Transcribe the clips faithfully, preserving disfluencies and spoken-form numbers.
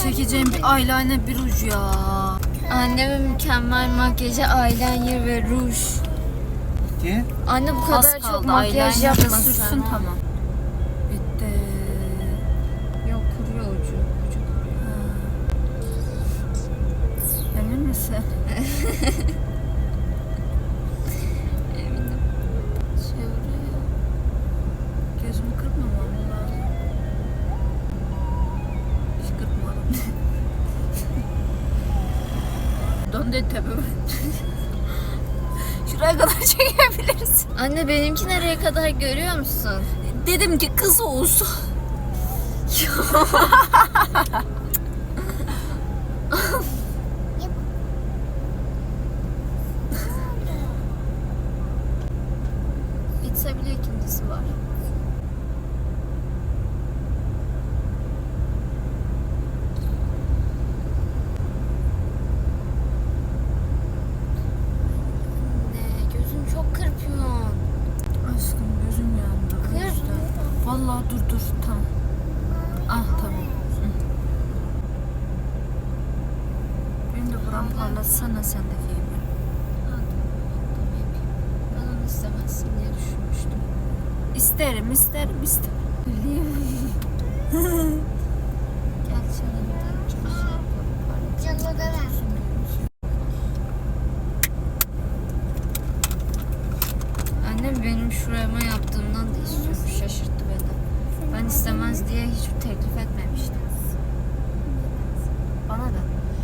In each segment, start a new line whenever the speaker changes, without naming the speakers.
çekeceğim bir eyeliner, bir ruj ya.
Annemin mükemmel makyajı, eyeliner ve ruj.
Ki?
Anne bu
Az
kadar çok
kaldı,
makyaj
eyeliner de
yapma
sürsün,
sen.
tamam. Bitti.
Yok, kuruyor ucu. Ucu kuruyor.
Emin misin?
Eminim. Çeviriyor.
Gözümü kırpmamam lazım. Hiç kırpmadım. Döndü tepemi. Şuraya kadar çekebiliriz.
Anne benimki nereye kadar görüyor musun?
Dedim ki kız olsun.
Bitse bile ikincisi var. Anne gözün çok kırpıyorsun.
Aşkım gözüm yandı. o
Kır.
yüzden. Vallahi dur dur tamam. Ah tamam. Hı. Benim de buram parlatsana sendeki gibi.
Ben onu istemezsin diye düşünmüştüm.
İsterim isterim isterim.
Gel senin de çok şey yapalım. Annem benim şurama yaptığımdan da istiyormuş. Şaşırttı beni. Ben istemez diye hiç teklif etmemiştim. Bana da.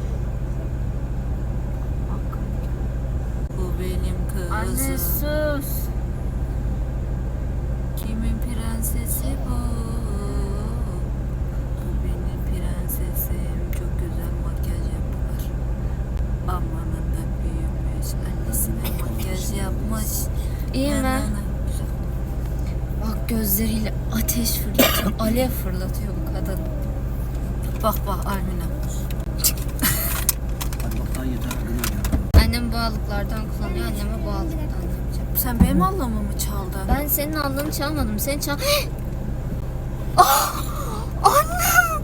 Bu benim kızım.
Anne sus.
Kimin prensesi bu? Bu benim prensesim. Çok güzel makyaj yapar. Amanın da büyümüş. Annesine makyaj yapmış.
İyi mi?
Yanına- Güzel.
Bak gözleriyle ateş fırlatıyor. Alev fırlatıyor bu kadın.
Bak bak Almina.
Hadi bak daha yeter. Hadi.
Annem bu allıklardan kullanıyor. Anneme bu allıktan yapacağım.
Sen benim anlamı mı çaldın?
Ben senin aldığını çalmadım. Sen çal... Ah! Annem!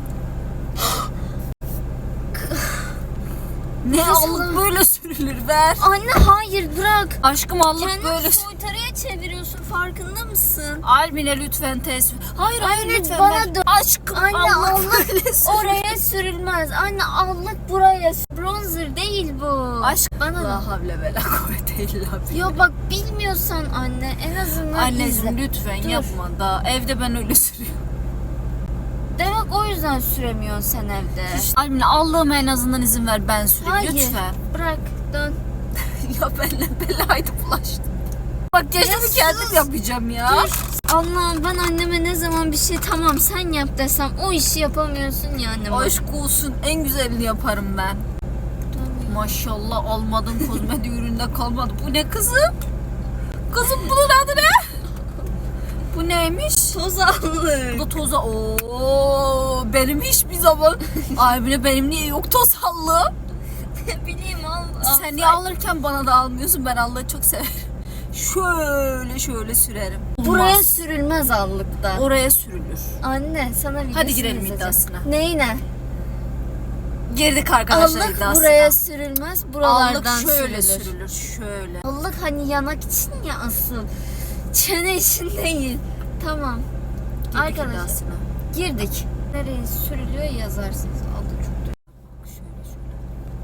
Ne
Kız
allık
Allah.
böyle sürülür ver.
Anne hayır bırak.
Aşkım allık
Kendini
böyle.
soytarıya çeviriyorsun, farkında mısın?
Almina lütfen tesbih. Hayır hayır
Anne,
lütfen.
bana
ver.
dön.
Aşkım
Anne
allık
allık
böyle sürülür.
oraya sürülmez. Anne allık buraya. Bronzer değil bu.
Aşk
bana da.
La havle ve la kuvvete illa billah.
Yo bak bilmiyorsan anne en azından
Anneciğim
izle.
lütfen
Dur.
yapma da evde ben öyle sürüyorum.
Demek o yüzden süremiyorsun sen evde.
İşte, Almina Allah'ıma en azından izin ver ben süreyim
Hayır.
lütfen.
Bırak dön.
Ya benimle belaydı bulaştı. Bak
Ya
yaşımı
sus.
kendim yapacağım ya.
Dur. Allah'ım ben anneme ne zaman bir şey tamam sen yap desem o işi yapamıyorsun ya anneme.
Aşk olsun en güzelini yaparım ben.
Dön.
Maşallah almadım kozmetik üründe kalmadı. Bu ne kızım? Kızım bunun adı ne? Bu neymiş?
Toz allık.
Bu da toza. Oo, benim hiçbir zaman. Albine benim niye yok toz allı?
Ne bileyim al. al.
Sen niye alırken bana da almıyorsun? Ben Allah'ı çok severim. Şöyle şöyle sürerim.
Buraya
Olmaz.
sürülmez allıkta.
Oraya sürülür.
Anne sana videosunu
Hadi girelim
izleteceğim.
iddiasına.
Neyine?
Girdik arkadaşlar
Allık
iddiasına.
buraya sürülmez, buralardan
Allık şöyle
sürülür.
sürülür. Şöyle.
Allık hani yanak için ya asıl. Çene için değil. Tamam.
Girdik
Arkadaşlar
iddiasına.
girdik. Nereye sürülüyor yazarsınız. Allık çok da.
Şöyle şöyle.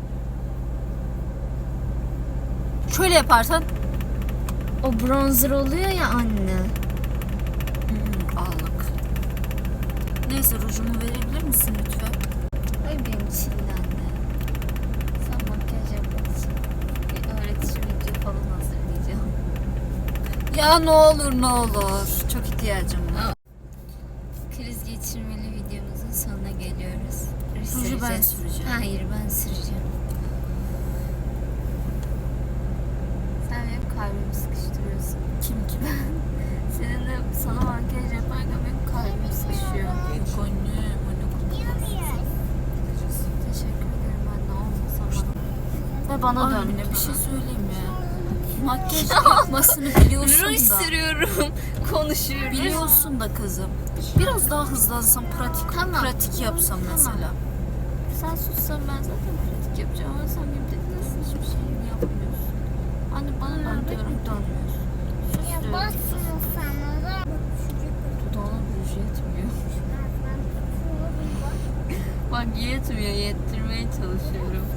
Şöyle yaparsan
O bronzer oluyor ya anne.
hmm, allık. Neyse rujumu verebilir misin lütfen?
Ay benim çilli anne. Sen makyaj yapmak için bir öğretici video falan hazırlayacağım.
Ya ne olur ne olur. Çok ihtiyacım var.
Kriz geçirmeli videomuzun sonuna geliyoruz.
Ruju ben
Süreceğiz.
süreceğim.
Hayır ben süreceğim. Sen benim kalbimi sıkıştırıyorsun.
Kim kim?
Seninle sana makyaj yaparken benim kalbim sıkışıyor.
Yok anne. Anne
Teşekkür ederim anne olmasa bana.
Ve bana
Ay,
dön.
lütfen.
Bir şey söyleyeyim ya. Makyaj yapmasını biliyorsun
Ruj
da.
sürüyorum. Konuşuyoruz.
Biliyorsun da kızım. Biraz daha hızlansam pratik
Tamam.
pratik yapsam mesela.
sen sussan ben zaten pratik yapacağım ama sen benim dediğim hiçbir şey yapmıyorsun. Anne bana dön diyorum dönmüyorsun. Sus
Ya
diyorum.
basma sana da.
Dudağına ruj yetmiyor. Bak yetmiyor, yettirmeye çalışıyorum.